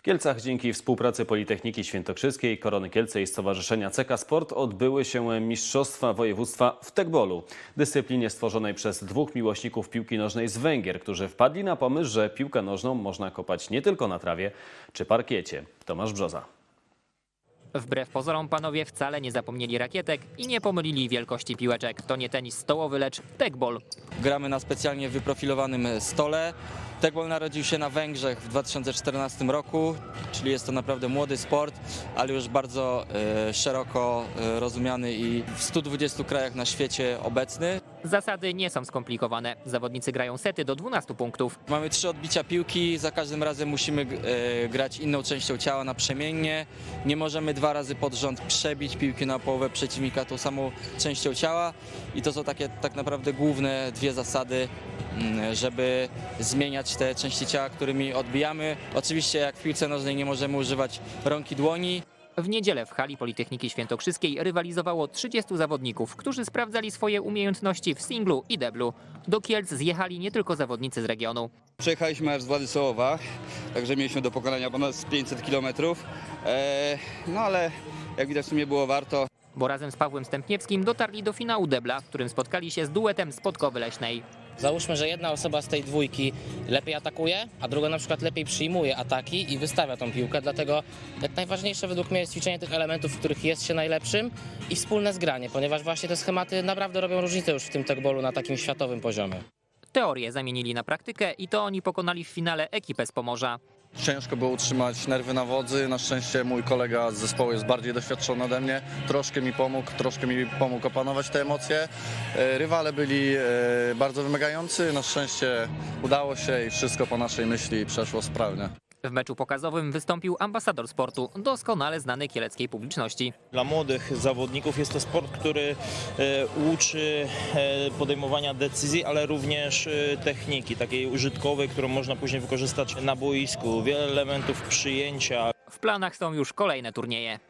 Kielcach dzięki współpracy Politechniki Świętokrzyskiej, Korony Kielce i Stowarzyszenia CK Sport odbyły się Mistrzostwa Województwa w tekbolu, dyscyplinie stworzonej przez dwóch miłośników piłki nożnej z Węgier, którzy wpadli na pomysł, że piłkę nożną można kopać nie tylko na trawie czy parkiecie. Tomasz Brzoza. Wbrew pozorom panowie wcale nie zapomnieli rakietek i nie pomylili wielkości piłeczek. To nie tenis stołowy, lecz tekbol. Gramy na specjalnie wyprofilowanym stole. Tekbol narodził się na Węgrzech w 2014 roku, czyli jest to naprawdę młody sport, ale już bardzo szeroko rozumiany i w 120 krajach na świecie obecny. Zasady nie są skomplikowane. Zawodnicy grają sety do 12 punktów. Mamy 3 odbicia piłki, za każdym razem musimy grać inną częścią ciała naprzemiennie. Nie możemy 2 razy pod rząd przebić piłki na połowę przeciwnika tą samą częścią ciała i to są takie tak naprawdę główne 2 zasady, żeby zmieniać te części ciała, którymi odbijamy. Oczywiście jak w piłce nożnej nie możemy używać rąk i dłoni. W niedzielę w hali Politechniki Świętokrzyskiej rywalizowało 30 zawodników, którzy sprawdzali swoje umiejętności w singlu i deblu. Do Kielc zjechali nie tylko zawodnicy z regionu. Przejechaliśmy aż z Władysławowa, także mieliśmy do pokonania ponad 500 km. No ale jak widać w sumie było warto. Bo razem z Pawłem Stępniewskim dotarli do finału debla, w którym spotkali się z duetem z Podkowy Leśnej. Załóżmy, że jedna osoba z tej dwójki lepiej atakuje, a druga na przykład lepiej przyjmuje ataki i wystawia tą piłkę, dlatego jak najważniejsze według mnie jest ćwiczenie tych elementów, w których jest się najlepszym i wspólne zgranie, ponieważ właśnie te schematy naprawdę robią różnicę już w tym tekbolu na takim światowym poziomie. Teorię zamienili na praktykę i to oni pokonali w finale ekipę z Pomorza. Ciężko było utrzymać nerwy na wodzy. Na szczęście mój kolega z zespołu jest bardziej doświadczony ode mnie. Troszkę mi pomógł opanować te emocje. Rywale byli bardzo wymagający. Na szczęście udało się i wszystko po naszej myśli przeszło sprawnie. W meczu pokazowym wystąpił ambasador sportu, doskonale znany kieleckiej publiczności. Dla młodych zawodników jest to sport, który uczy podejmowania decyzji, ale również techniki takiej użytkowej, którą można później wykorzystać na boisku. Wiele elementów przyjęcia. W planach są już kolejne turnieje.